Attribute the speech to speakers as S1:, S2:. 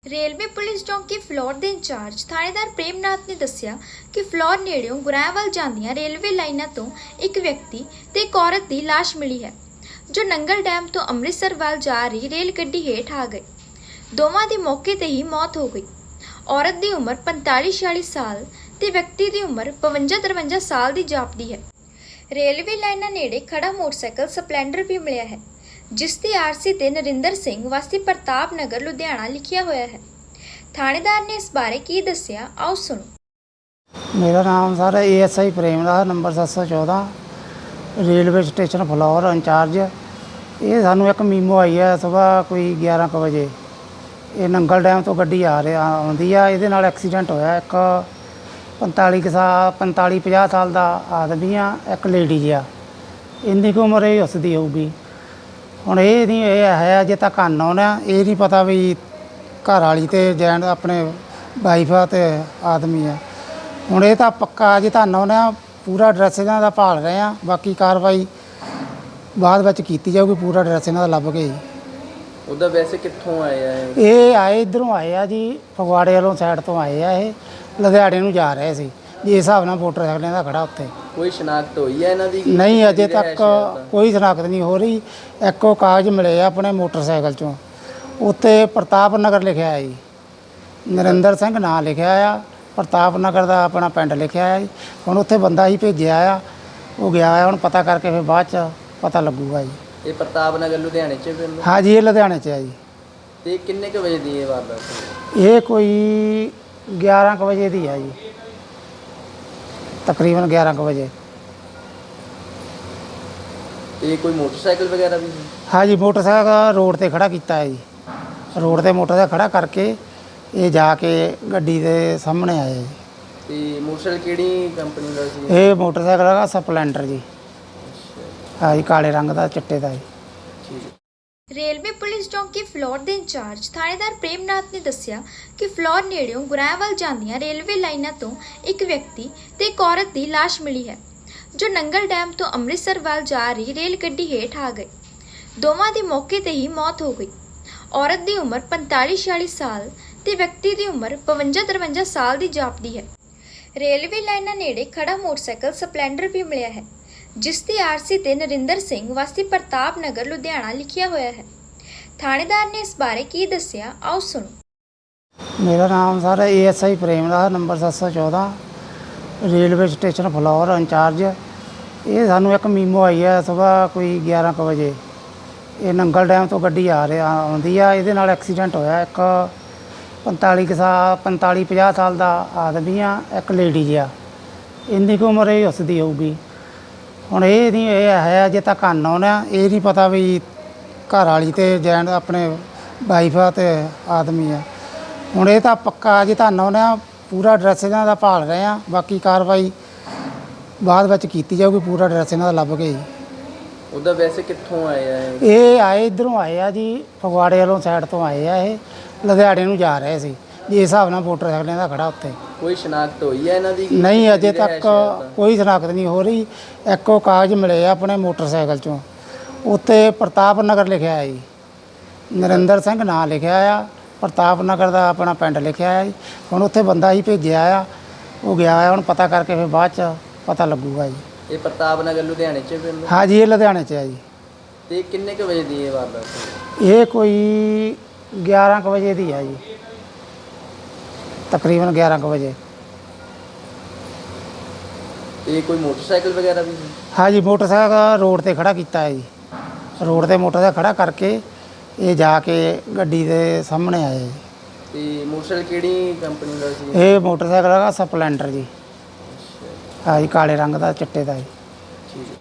S1: Railway police ਚੌਂਕੀ ਫਲੋਰ ਦੇ incharge ਥਾਣੇਦਾਰ ਪ੍ਰੇਮਨਾਥ ਨੇ ਦੱਸਿਆ ਕਿ ਫਲੋਰ ਨੇੜਿਓਂ ਗੁਰਾਇਆਂਵਾਲ ਜਾਂਦੀਆਂ ਰੇਲਵੇ ਲਾਈਨਾਂ ਤੋਂ ਇੱਕ ਵਿਅਕਤੀ ਤੇ ਇੱਕ ਔਰਤ ਦੀ ਲਾਸ਼ ਮਿਲੀ ਹੈ, ਜੋ ਨੰਗਲ ਡੈਮ ਤੋਂ ਅੰਮ੍ਰਿਤਸਰ ਵੱਲ ਜਾ ਰਹੀ ਰੇਲ ਗੱਡੀ ਹੇਠ ਆ ਗਏ। ਦੋਵਾਂ ਦੀ ਮੌਕੇ ਤੇ ਹੀ ਮੌਤ ਹੋ ਗਈ। ਔਰਤ ਦੀ ਉਮਰ 45-46 ਸਾਲ ਤੇ ਵਿਅਕਤੀ ਦੀ ਉਮਰ 52-53 ਸਾਲ ਦੀ ਜਾਪਦੀ ਹੈ। ਰੇਲਵੇ ਲਾਈਨਾਂ ਨੇੜੇ ਖੜਾ ਮੋਟਰਸਾਈਕਲ ਸਪਲੈਂਡਰ ਵੀ ਮਿਲਿਆ ਹੈ, ਜਿਸ ਦੀ ਆਰਸੀ ਤੇ ਨਰਿੰਦਰ ਸਿੰਘ ਵਾਸੀ ਪ੍ਰਤਾਪ ਨਗਰ ਲੁਧਿਆਣਾ ਲਿਖਿਆ ਹੋਇਆ ਹੈ। ਥਾਣੇਦਾਰ ਨੇ ਇਸ ਬਾਰੇ ਕੀ ਦੱਸਿਆ, ਆਓ ਸੁਣੋ।
S2: मेरा नाम sir ASI Premnath number 714 railway station Phillaur incharge. ਇਹ ਸਾਨੂੰ ਇੱਕ ਮੀਮੋ ਆਈ ਹੈ ਸਵੇਰ ਕੋਈ 11 ਕੁ ਵਜੇ। ਇਹ ਨੰਗਲ ਡੈਮ ਤੋਂ ਗੱਡੀ ਆਉਂਦੀ ਆ, ਇਹਦੇ ਨਾਲ ਐਕਸੀਡੈਂਟ ਹੋਇਆ। ਇੱਕ 45-50 ਸਾਲ ਦਾ ਆਦਮੀ ਆ, ਇੱਕ ਲੇਡੀਜ਼ ਆ। ਇੰਨੀ ਕੁ ਉਮਰ ਇਹ ਉਸਦੀ ਹੋਊਗੀ। ਹੁਣ ਇਹ ਨਹੀਂ ਇਹ ਹੈ ਅਜੇ ਤੱਕ ਅਨਨੋਨ ਆ, ਇਹ ਨਹੀਂ ਪਤਾ ਵੀ ਘਰ ਵਾਲੀ ਤੇ ਜੈਂਟ ਆਪਣੇ ਵਾਈਫ ਆ ਤੇ ਆਦਮੀ ਆ। ਹੁਣ ਇਹ ਤਾਂ ਪੱਕਾ ਅਜੇ ਤਾਂ ਅਨਨੋਨ ਆ। ਪੂਰਾ ਐਡਰੈਸ ਇਹਨਾਂ ਦਾ ਭਾਲ ਰਹੇ ਆ, ਬਾਕੀ ਕਾਰਵਾਈ ਬਾਅਦ ਵਿੱਚ ਕੀਤੀ ਜਾਊਗੀ। ਪੂਰਾ ਐਡਰੈਸ ਇਹਨਾਂ ਦਾ ਲੱਭ ਕੇ ਜੀ।
S3: ਉਹਦਾ ਵੈਸੇ ਕਿੱਥੋਂ ਆਏ ਆ
S2: ਇਹ ਆਏ ਇੱਧਰੋਂ ਆਏ ਆ ਜੀ, ਫਗਵਾੜੇ ਵੱਲੋਂ ਸਾਈਡ ਤੋਂ ਆਏ ਆ। ਇਹ ਲੁਧਿਆਣੇ ਨੂੰ ਜਾ ਰਹੇ ਸੀ ਜਿਸ ਹਿਸਾਬ ਨਾਲ ਮੋਟਰਸਾਈਕਲ ਦਾ ਖੜਾ ਉੱਥੇ।
S3: ਕੋਈ ਸ਼ਨਾਖਤ ਹੋਈ ਹੈ ਇਹਨਾਂ ਦੀ?
S2: ਨਹੀਂ, ਅਜੇ ਤੱਕ ਕੋਈ ਸ਼ਨਾਖਤ ਨਹੀਂ ਹੋ ਰਹੀ। ਇੱਕੋ ਕਾਗਜ਼ ਮਿਲੇ ਆ ਆਪਣੇ ਮੋਟਰਸਾਈਕਲ 'ਚੋਂ, ਉੱਤੇ ਪ੍ਰਤਾਪ ਨਗਰ ਲਿਖਿਆ ਹੈ ਜੀ। ਨਰਿੰਦਰ ਸਿੰਘ ਨਾਂ ਲਿਖਿਆ ਆ, ਪ੍ਰਤਾਪ ਨਗਰ ਦਾ ਆਪਣਾ ਪਿੰਡ ਲਿਖਿਆ ਹੈ ਜੀ। ਹੁਣ ਉੱਥੇ ਬੰਦਾ ਹੀ ਭੇਜਿਆ ਆ, ਉਹ ਗਿਆ ਆ। ਹੁਣ ਪਤਾ ਕਰਕੇ ਫਿਰ ਬਾਅਦ 'ਚ ਪਤਾ ਲੱਗੂਗਾ ਜੀ।
S3: ਇਹ ਪ੍ਰਤਾਪ ਨਗਰ ਲੁਧਿਆਣੇ 'ਚ ਪਿੰਡ?
S2: ਹਾਂ ਜੀ, ਇਹ ਲੁਧਿਆਣੇ 'ਚ ਆ ਜੀ।
S3: ਤੇ ਕਿੰਨੇ ਕੁ ਵਜੇ ਦੀ ਇਹ ਵਾਰਦਾਤ?
S2: ਇਹ ਕੋਈ 11 ਕੁ ਵਜੇ ਦੀ ਆ ਜੀ, ਤਕਰੀਬਨ 11 ਕੁ ਵਜੇ।
S3: ਤੇ ਕੋਈ ਮੋਟਰਸਾਈਕਲ ਵਗੈਰਾ ਵੀ ਸੀ?
S2: ਹਾਂ ਜੀ, ਮੋਟਰਸਾਈਕਲ ਰੋਡ ਤੇ ਖੜਾ ਕੀਤਾ ਹੈ ਜੀ। ਰੋਡ ਤੇ ਮੋਟਰਸਾਈਕਲ ਖੜਾ ਕਰਕੇ ਇਹ ਜਾ ਕੇ ਗੱਡੀ ਦੇ ਸਾਹਮਣੇ ਆਏ ਜੀ।
S3: ਤੇ ਮੋਟਰਸਾਈਕਲ ਕਿਹੜੀ ਕੰਪਨੀ ਦਾ ਸੀ?
S2: ਇਹ ਮੋਟਰਸਾਈਕਲ ਹੈਗਾ ਸਪਲੈਂਡਰ ਜੀ। ਹਾਂ ਜੀ, ਕਾਲੇ ਰੰਗ ਦਾ, ਚਿੱਟੇ ਦਾ ਜੀ।
S3: ਠੀਕ ਹੈ।
S1: ਰੇਲਵੇ ਪੁਲਿਸ ਚੌਂਕੀ ਫਲੋਰ ਦੇ ਇੰਚਾਰਜ ਥਾਣੇਦਾਰ ਪ੍ਰੇਮਨਾਥ ਨੇ ਦੱਸਿਆ ਕਿ ਫਲੋਰ ਨੇੜਿਓਂ ਗੁਰਾਇਆਂਵਾਲ ਜਾਂਦੀਆਂ ਰੇਲਵੇ ਲਾਈਨਾਂ ਤੋਂ ਇੱਕ ਵਿਅਕਤੀ ਤੇ ਇੱਕ ਔਰਤ ਦੀ ਲਾਸ਼ ਮਿਲੀ ਹੈ, ਜੋ ਨੰਗਲ ਡੈਮ ਤੋਂ ਅੰਮ੍ਰਿਤਸਰ ਵੱਲ ਜਾ ਰਹੀ ਰੇਲ ਗੱਡੀ ਹੇਠ ਆ ਗਏ। ਦੋਵਾਂ ਦੀ ਮੌਕੇ ਤੇ ਹੀ ਮੌਤ ਹੋ ਗਈ। ਔਰਤ ਦੀ ਉਮਰ 45-46 ਸਾਲ ਤੇ ਵਿਅਕਤੀ ਦੀ ਉਮਰ 52-53 ਸਾਲ ਦੀ ਜਾਪਦੀ ਹੈ। ਰੇਲਵੇ ਲਾਈਨਾਂ ਨੇੜੇ ਖੜਾ ਮੋਟਰਸਾਈਕਲ ਸਪਲੈਂਡਰ ਵੀ ਮਿਲਿਆ ਹੈ, ਜਿਸ ਦੀ ਆਰਸੀ ਤੇ ਨਰਿੰਦਰ ਸਿੰਘ ਵਾਸੀ ਪ੍ਰਤਾਪ ਨਗਰ ਲੁਧਿਆਣਾ ਲਿਖਿਆ ਹੋਇਆ ਹੈ। ਥਾਣੇਦਾਰ ਨੇ ਇਸ ਬਾਰੇ ਕੀ ਦੱਸਿਆ, ਆਓ ਸੁਣੋ।
S2: ਮੇਰਾ ਨਾਮ sir ASI Premnath number 714 railway station Phillaur incharge. ਇਹ ਸਾਨੂੰ ਇੱਕ ਮੀਮੋ ਆਈ ਹੈ ਸਵੇਰ ਕੋਈ 11 ਕੁ ਵਜੇ। ਇਹ ਨੰਗਲ ਡੈਮ ਤੋਂ ਗੱਡੀ ਆਉਂਦੀ ਆ, ਇਹਦੇ ਨਾਲ ਐਕਸੀਡੈਂਟ ਹੋਇਆ। ਇੱਕ 45-50 ਸਾਲ ਦਾ ਆਦਮੀ ਆ, ਇੱਕ ਲੇਡੀਜ਼ ਆ। ਇੰਨੀ ਕੁ ਉਮਰ ਇਹ ਉਸਦੀ ਹੋਊਗੀ। ਹੁਣ ਇਹ ਨਹੀਂ ਇਹ ਹੈ ਅਜੇ ਤੱਕ ਅਨਨੋਨ ਆ, ਇਹ ਨਹੀਂ ਪਤਾ ਵੀ ਘਰ ਵਾਲੀ ਤੇ ਜੈਂਟ ਆਪਣੇ ਵਾਈਫ ਆ ਤੇ ਆਦਮੀ ਆ। ਹੁਣ ਇਹ ਤਾਂ ਪੱਕਾ ਅਜੇ ਤਾਂ ਅਨਨੋਨ ਆ। ਪੂਰਾ ਐਡਰੈਸ ਇਹਨਾਂ ਦਾ ਭਾਲ ਰਹੇ ਆ, ਬਾਕੀ ਕਾਰਵਾਈ ਬਾਅਦ ਵਿੱਚ ਕੀਤੀ ਜਾਊਗੀ। ਪੂਰਾ ਐਡਰੈਸ ਇਹਨਾਂ ਦਾ ਲੱਭ ਕੇ ਜੀ।
S3: ਉਹਦਾ ਵੈਸੇ ਕਿੱਥੋਂ ਆਏ ਆ
S2: ਇਹ ਆਏ ਇੱਧਰੋਂ ਆਏ ਆ ਜੀ, ਫਗਵਾੜੇ ਵੱਲੋਂ ਸਾਈਡ ਤੋਂ ਆਏ ਆ। ਇਹ ਲੁਧਿਆਣੇ ਨੂੰ ਜਾ ਰਹੇ ਸੀ ਜਿਸ ਹਿਸਾਬ ਨਾਲ ਮੋਟਰਸਾਈਕਲ ਦਾ ਖੜਾ ਉੱਥੇ।
S3: ਕੋਈ ਸ਼ਨਾਖਤ ਹੋਈ ਹੈ ਇਹਨਾਂ ਦੀ?
S2: ਨਹੀਂ, ਅਜੇ ਤੱਕ ਕੋਈ ਸ਼ਨਾਖਤ ਨਹੀਂ ਹੋ ਰਹੀ। ਇੱਕੋ ਕਾਗਜ਼ ਮਿਲੇ ਆ ਆਪਣੇ ਮੋਟਰਸਾਈਕਲ 'ਚੋਂ, ਉੱਤੇ ਪ੍ਰਤਾਪ ਨਗਰ ਲਿਖਿਆ ਹੈ ਜੀ। ਨਰਿੰਦਰ ਸਿੰਘ ਨਾਂ ਲਿਖਿਆ ਆ, ਪ੍ਰਤਾਪ ਨਗਰ ਦਾ ਆਪਣਾ ਪਿੰਡ ਲਿਖਿਆ ਹੈ ਜੀ। ਹੁਣ ਉੱਥੇ ਬੰਦਾ ਹੀ ਭੇਜਿਆ ਆ, ਉਹ ਗਿਆ ਆ। ਹੁਣ ਪਤਾ ਕਰਕੇ ਫਿਰ ਬਾਅਦ 'ਚ ਪਤਾ ਲੱਗੂਗਾ ਜੀ।
S3: ਇਹ ਪ੍ਰਤਾਪ ਨਗਰ ਲੁਧਿਆਣੇ 'ਚ ਪਿੰਡ?
S2: ਹਾਂ ਜੀ, ਇਹ ਲੁਧਿਆਣੇ 'ਚ ਆ ਜੀ।
S3: ਤੇ ਕਿੰਨੇ ਕੁ ਵਜੇ ਦੀ ਇਹ ਵਾਰਦਾਤ?
S2: ਇਹ ਕੋਈ 11 ਕੁ ਵਜੇ ਦੀ ਆ ਜੀ, ਤਕਰੀਬਨ 11 ਕੁ ਵਜੇ।
S3: ਤੇ ਕੋਈ ਮੋਟਰਸਾਈਕਲ ਵਗੈਰਾ ਵੀ ਸੀ?
S2: ਹਾਂ ਜੀ, ਮੋਟਰਸਾਈਕਲ ਰੋਡ ਤੇ ਖੜਾ ਕੀਤਾ ਹੈ ਜੀ। ਰੋਡ ਤੇ ਮੋਟਰਸਾਈਕਲ ਖੜਾ ਕਰਕੇ ਇਹ ਜਾ ਕੇ ਗੱਡੀ ਦੇ ਸਾਹਮਣੇ ਆਏ ਜੀ।
S3: ਤੇ ਮੋਟਰਸਾਈਕਲ ਕਿਹੜੀ ਕੰਪਨੀ ਦਾ ਸੀ?
S2: ਇਹ ਮੋਟਰਸਾਈਕਲ ਹੈਗਾ ਸਪਲੈਂਡਰ ਜੀ। ਹਾਂ ਜੀ, ਕਾਲੇ ਰੰਗ ਦਾ, ਚਿੱਟੇ ਦਾ ਜੀ।
S3: ਠੀਕ ਹੈ।